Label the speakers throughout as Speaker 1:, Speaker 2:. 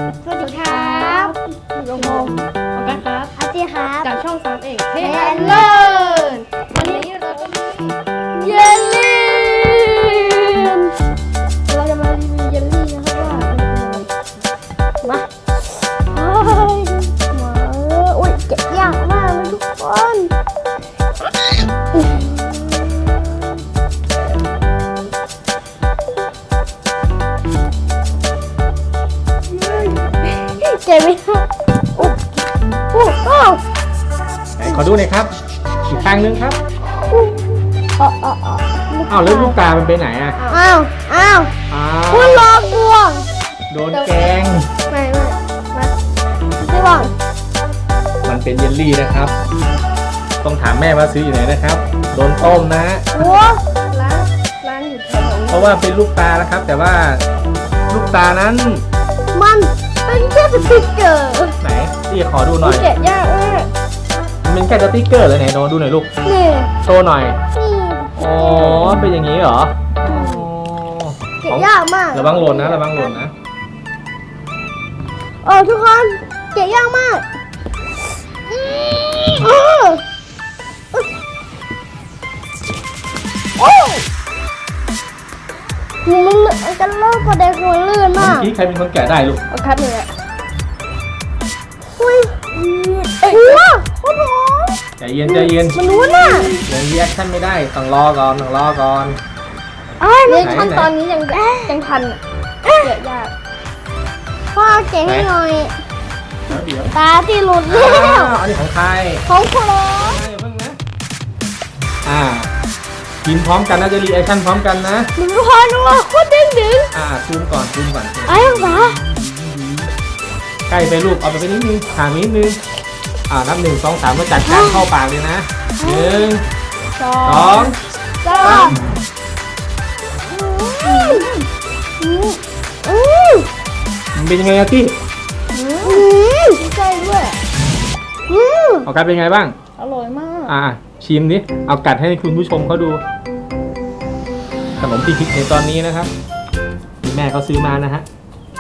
Speaker 1: สวัสดีครับโยโมโอเคครับอาจีครับจากช่อง3เอกเทนเลอร์วันนี้เราจะมีเยลลี่เราจะมารีวิวเยลลี่นะครับว่ามาอุ้ยเก็บยากมากเลยทุกคนเจ็บไหมครับ
Speaker 2: ไหนขอดูหน่อยครับอีกทางนึงครับอ้าวแล้วลูกตามันไปไหนอ่ะ
Speaker 1: อ้าวคุณรอกวง
Speaker 2: โดนแกง
Speaker 1: ไม่ไม่หวัง
Speaker 2: มันเป็นเยลลี่นะครับต้องถามแม่ว่าซื้ออยู่ไหนนะครับโดนต้มนะ
Speaker 1: โอ้ร้านอยู่แถว
Speaker 2: เพราะว่าเป็นลูกตานะครับแต่ว่าลูกตานั้น
Speaker 1: มันเป็นแค่สติ๊กเกอร์
Speaker 2: ไหนพี่ขอดูหน่อย
Speaker 1: แกะยากมาก
Speaker 2: มันเป็นแค่สติ๊กเกอร์เลยไหนดูหน่อยลูก
Speaker 1: นี่
Speaker 2: โชว์หน่อยอ๋อเป็นอย่างนี้เหรอ
Speaker 1: แกะยากมาก
Speaker 2: ระวังหล่นนะระวังหล่นนะ
Speaker 1: ทุกคนแกะยากมากมันจะเลิกกว่าเด็กหัวลื่นมาก
Speaker 2: เมื่อกี้ใครเป็นคนแกะได้ลูก
Speaker 1: ครับเลยอ่ะอุ้ยโอ้โห
Speaker 2: ใจเย็น
Speaker 1: มันรู้น่ะ
Speaker 2: ยังรีแอคชั่นไม่ได้ต้องรอก่อน
Speaker 1: ในขั้นตอนนี้ยังทันเกะยากพ่อเก่งให้หน่อยตาที่หลุดแล้ว
Speaker 2: อันนี้ของใคร
Speaker 1: ของโคโล
Speaker 2: เพิ่งนะกินพร้อมกันนะจะรีแอคชั่นพร้อมกันนะ
Speaker 1: มันร้อนว่ะโคตรดึง
Speaker 2: ซูมก่อน
Speaker 1: ไอ้หรอ
Speaker 2: ใกล้ไปลูกเอาไปนิดนึงห่างนิดนึงนับ1 2 3แล้วจัดการเข้าปากเลยนะ1 2 3มันเป็นยังไงอะพี่
Speaker 1: ใช่ด้วย
Speaker 2: เอากัดเป็นไงบ้าง
Speaker 1: อร่อยมาก
Speaker 2: ชิมดิเอากัดให้คุณผู้ชมเขาดูขนมที่คิดในตอนนี้นะครับที่แม่เขาซื้อมานะฮะ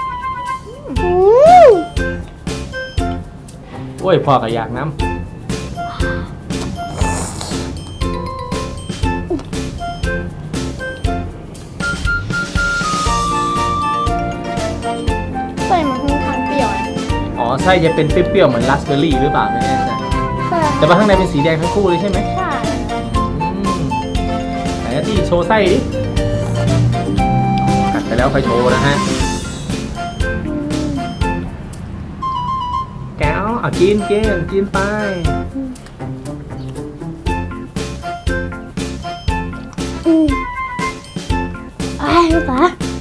Speaker 2: โอ้ยพ่อก็อยากน้ำ
Speaker 1: ไส้มันค่อนข้างเปรี้ยว
Speaker 2: ไส้จะเป็นเปรี้ยวๆเหมือนราสเบอร์รี่หรือเปล่าไม่แน่ใจแต่ว่าข้างในเป็นสีแดงทั้งคู่เลยใช่ไหม
Speaker 1: ใช่
Speaker 2: ไหนที่โชว์ไส้ดิกัดไปแล้วค่อยโชว์นะฮะแก้วกินไป
Speaker 1: ป๋า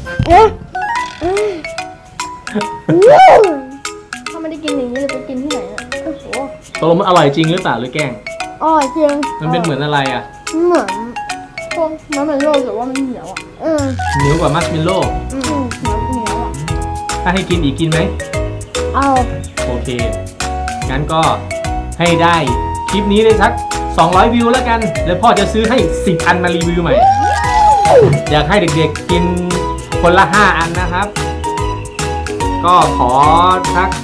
Speaker 1: ถ้าไม่ได้กินอย่างนี้เลยไปกินที่ไหนอ่ะโอ้โห
Speaker 2: ตกลงมันอร่อยจริงหรือเปล่าหรือแกล้ง
Speaker 1: จริง
Speaker 2: มันเป็นเหมือนอะไรอ่ะ
Speaker 1: เหมือนพวกมัสเมลโล่แต่ว่ามันเหนียวอ่ะ
Speaker 2: เหนียวกว่ามัสเมลโล่
Speaker 1: เหนียวอ่ะ
Speaker 2: ถ้าให้กินอีกกินไหมโอเคงั้นก็ให้ได้คลิปนี้ได้สัก200วิวแล้วกันแล้วพ่อจะซื้อให้10 อันมารีวิวใหม่อยากให้เด็กๆกินคนละ5 อันนะครับก็ขอสัก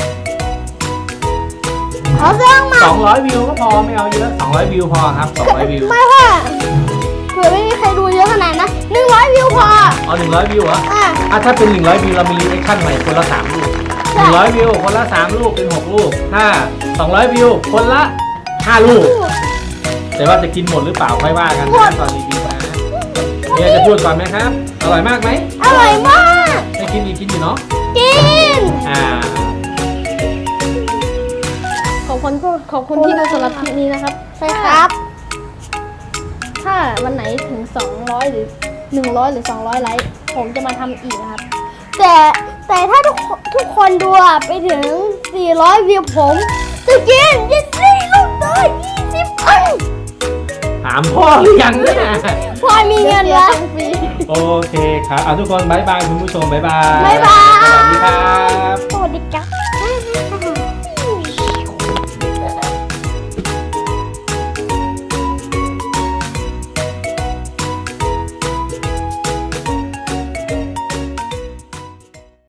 Speaker 2: 200วิวก็พอไม่เอาเยอะ200วิวพอครับ200วิว
Speaker 1: ไม่ค่ะเผื่อไม่มีใครดูเยอะขนาดนะ100วิวพอ
Speaker 2: 100วิวเหรอถ้าเป็น100วิวเรามีรีแอคชั่นใหม่คนละ3ลูก100วิวคนละ3ลูกเป็น6ลูกถ้า200วิวคนละ5ลูกแต่ว่าจะกินหมดหรือเปล่าค่อยว่ากันตอนรีวิวนะมีอะไรจะพูดก่อนไหมครับอร่อยมากไหม
Speaker 1: อร่อยมาก
Speaker 2: ให้กินอีกกินอยู่เนาะ
Speaker 1: กินขอบคุณที่ดูสำหรับคลิปนี้นะครับใช่ครับถ้าวันไหนถึง200หรือ100หรือ200ไลค์ผมจะมาทำอีกนะครับแต่ถ้าทุกคนดูไปถึง400วิวผมจะกินเยลลี่ลูกน้อย20 อัน
Speaker 2: ถามพ่อหรือยังเนี่ย
Speaker 1: พ่อมีเงินแล้ว
Speaker 2: โอเคครับทุกคนบ๊ายบายคุณผู้ชมบ๊ายบาย
Speaker 1: สวัสดี
Speaker 2: ครับ
Speaker 1: สวัสดีครับ